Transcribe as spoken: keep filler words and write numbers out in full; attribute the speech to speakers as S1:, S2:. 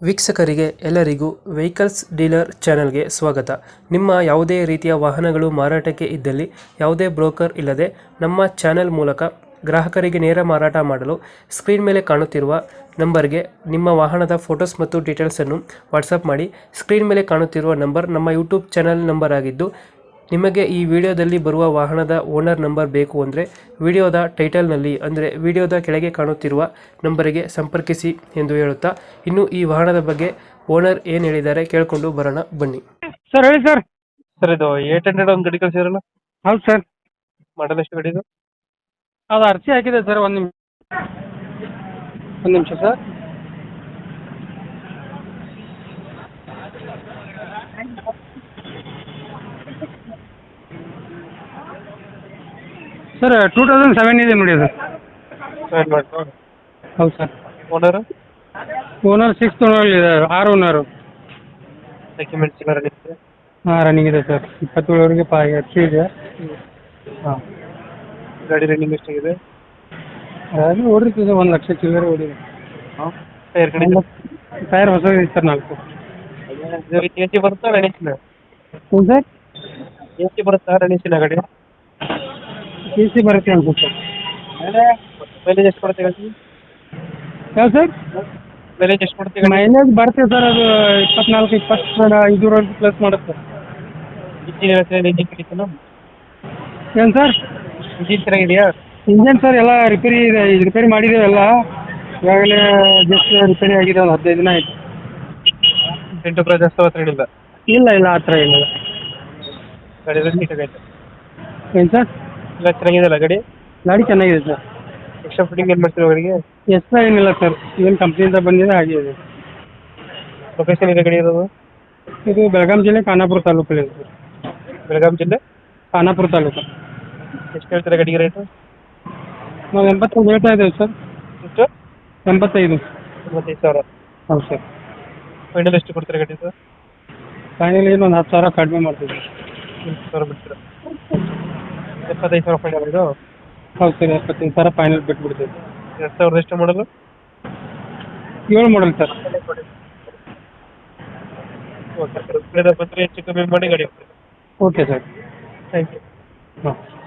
S1: ವೀಕ್ಷಕರಿಗೆ ಎಲ್ಲರಿಗೂ vehicles dealer ಚಾನೆಲ್ಗೆ ಸ್ವಾಗತ. ನಿಮ್ಮ ಯಾವುದೇ ರೀತಿಯ ವಾಹನಗಳು ಮಾರಾಟಕ್ಕೆ ಇದ್ದಲ್ಲಿ ಯಾವುದೇ ಬ್ರೋಕರ್ ಇಲ್ಲದೆ ನಮ್ಮ ಚಾನೆಲ್ ಮೂಲಕ ಗ್ರಾಹಕರಿಗೆ ನೇರ ಮಾರಾಟ ಮಾಡಲು ಸ್ಕ್ರೀನ್ ಮೇಲೆ ಕಾಣುತ್ತಿರುವ ನಂಬರ್ಗೆ ನಿಮ್ಮ ವಾಹನದ ಫೋಟೋಸ್ ಮತ್ತು ಡೀಟೇಲ್ಸನ್ನು ವಾಟ್ಸಪ್ ಮಾಡಿ. ಸ್ಕ್ರೀನ್ ಮೇಲೆ ಕಾಣುತ್ತಿರುವ ನಂಬರ್ ನಮ್ಮ ಯೂಟ್ಯೂಬ್ ಚಾನೆಲ್ ನಂಬರ್ ಆಗಿದ್ದು, ನಿಮಗೆ ಈ ವಿಡಿಯೋದಲ್ಲಿ ಬರುವ ವಾಹನದ ಓನರ್ ನಂಬರ್ ಬೇಕು ಅಂದರೆ ವಿಡಿಯೋದ ಟೈಟಲ್ನಲ್ಲಿ ಅಂದರೆ ವಿಡಿಯೋದ ಕೆಳಗೆ ಕಾಣುತ್ತಿರುವ ನಂಬರಿಗೆ ಸಂಪರ್ಕಿಸಿ ಎಂದು ಹೇಳುತ್ತಾ, ಇನ್ನು ಈ ವಾಹನದ ಬಗ್ಗೆ ಓನರ್ ಏನು ಹೇಳಿದ್ದಾರೆ ಕೇಳಿಕೊಂಡು ಬರೋಣ ಬನ್ನಿ.
S2: ಸರ್ ಹೇಳಿ ಸರ್.
S1: ಸರ್ ಇದು ಏಟ್ ಹಂಡ್ರೆಡ್ ಒಂದು ಗಾಡಿ ಕಳಿಸಿರಲ್ಲ,
S2: ಹೌದು ಸರ್.
S1: ಮಾಡಲ್ ಎಷ್ಟು ಗಾಡಿ ಇದು?
S2: ಅದು ಅರ್ಜಿ ಹಾಕಿದೆ ಸರ್. ಒಂದು ನಿಮಿಷ ಒಂದು ನಿಮಿಷ sir. Sir two thousand seven ಇದೆ ನೋಡಿ ಅದು.
S1: ಸೆವೆನ್ ಮಾಡ್ತು.
S2: ಹೌದು sir.
S1: Owner
S2: owner six owner ಇದೆ, ಆರು ಓನರು.
S1: ಡಾಕ್ಯುಮೆಂಟ್ಸ್ ಎಲ್ಲ ರೆಡಿ ಇದೆ?
S2: ಹಾಂ ರನ್ನಿಂಗ್ ಇದೆ ಸರ್. ಇಪ್ಪತ್ತೇಳವರೆಗೆ ಪಾ ಅರ್ಜಿ ಇದೆ. ಹಾಂ
S1: ಗಾಡಿ ರನ್ನಿಂಗ್ ಎಷ್ಟಾಗಿದೆ?
S2: ಅದು ಓಡಿರ್ತದೆ ಒಂದು ಲಕ್ಷ ಚಿಲ್ಲರೆ ಓಡಿದೆ.
S1: ಹಾಂ ಟೈರ್ ಕಡೆ
S2: ಟೈರ್ ಹೊಸದಿದೆ ಸರ್ ನಾಲ್ಕು.
S1: ಎ ಸಿ ಬರುತ್ತಾ ರಣೇಶಿನ?
S2: ಹ್ಞೂ ಸರ್.
S1: ಎ ಸಿ ಬರುತ್ತಾ ರಣೇಶಿನ ಗಾಡಿ?
S2: ಎ ಸಿ ಬರುತ್ತೆ ಅನ್ಸುತ್ತೆ ಸರ್.
S1: ಮೈಲೇಜ್ ಎಷ್ಟು ಕೊಡುತ್ತೆ ಗಾಡಿ?
S2: ಯಾವ ಸರ್?
S1: ಮೈಲೇಜ್ ಎಷ್ಟು ಕೊಡುತ್ತೆ ಗಾಡಿ?
S2: ಮೈಲೇಜ್ ಬರುತ್ತೆ ಸರ್. ಅದು ಇಪ್ಪತ್ನಾಲ್ಕು ಇಪ್ಪತ್ತು ಐದೂವರೆಗೆ ಪ್ಲಸ್ ಮಾಡುತ್ತೆ.
S1: ಇಂಜಿನ್ ಇಂಜಿನ್ ಕಡಿತೇನು?
S2: ಏನು ಸರ್?
S1: ಇಂಜಿನ್ ಚೆನ್ನಾಗಿದೆಯಾ?
S2: ಇಂಜನ್ ಸರ್ ಎಲ್ಲ ರಿಪೇರಿ ಇದೆ, ಇದು ರಿಪೇರಿ ಮಾಡಿದ್ದೇವೆ ಎಲ್ಲ. ಈಗಾಗಲೇ ಜಸ್ಟ್ ರಿಪೇರಿ ಆಗಿದೆ, ಒಂದು ಹದಿನೈದು ದಿನ ಆಯಿತು.
S1: ಎಂಟು ಪ್ರೈಸ್ ಜಾಸ್ತಿ ಹತ್ರ ಏನಿಲ್ಲ?
S2: ಇಲ್ಲ ಇಲ್ಲ ಆ ಥರ ಏನಿಲ್ಲ.
S1: ಗಾಡಿ ಎಲ್ಲ ನೀಟಾಗೈತೆ?
S2: ಏನು ಸರ್?
S1: ಎಲ್ಲ ಚೆನ್ನಾಗಿದೆಯಲ್ಲ ಗಾಡಿ?
S2: ಗಾಡಿ ಚೆನ್ನಾಗಿದೆ ಸರ್.
S1: ಎಕ್ಸ್ಟ್ರಾ ಫಿಟ್ಟಿಂಗ್ ಏನು ಮಾಡ್ತೀವಿ ಗಾಡಿಗೆ?
S2: ಎಕ್ಸ್ಟ್ರಾ ಏನಿಲ್ಲ ಸರ್, ಏನು ಕಂಪ್ನಿಯಿಂದ ಬಂದಿದೆ ಹಾಗೆ ಇದೆ.
S1: ಲೊಕೇಶನ್ ಇದೆ ಗಾಡಿ ಇರೋದು?
S2: ಇದು ಬೆಳಗಾಂ ಜಿಲ್ಲೆ ಖಾನಾಪುರ ತಾಲೂಕಲ್ಲಿ ಇದೆ ಸರ್.
S1: ಬೆಳಗಾಂ ಜಿಲ್ಲೆ
S2: ಖಾನಾಪುರ ತಾಲೂಕು.
S1: ಎಷ್ಟು ಹೇಳ್ತಾರೆ ಗಾಡಿಗೆ ರೇಟು?
S2: ನಾವು ಎಂಬತ್ತೈದು ಹೇಳ್ತಾ ಇದ್ದೇವೆ ಸರ್.
S1: ಎಷ್ಟು?
S2: ಎಂಬತ್ತೈದು.
S1: ಮೂವತ್ತೈದು ಸಾವಿರ.
S2: ಹೌದು ಸರ್.
S1: ಫೈನಲ್ ಎಷ್ಟು ಕೊಡ್ತಾರೆ ಗಾಡಿ ಸರ್?
S2: ಫೈನಲ್ ಏನು ಒಂದು ಹತ್ತು ಸಾವಿರ ಕಡಿಮೆ ಮಾಡ್ತೀವಿ.
S1: ಎಂಟು ಸಾವಿರ ಬಿಡ್ತೀರಾ? ಎಪ್ಪತ್ತೈದು ಸಾವಿರ ಫೈನಲ್ ಇದು?
S2: ಹೌದು ಸರ್, ಎಪ್ಪತ್ತೈದು ಸಾವಿರ ಫೈನಲ್ ಬಿಟ್ಬಿಡ್ತೀವಿ.
S1: ಎರಡು ಸಾವಿರದ ಎಷ್ಟು ಮಾಡಲು?
S2: ಏಳು ಮಾಡಲ್ ಸರ್.
S1: ಓಕೆ ಸರ್, ಬಂದರೆ ಹೆಚ್ಚು ಕಮ್ಮಿ ಮಾಡಿ ಗಾಡಿ.
S2: Okay sir.
S1: Thank you.
S2: ಹಾಂ.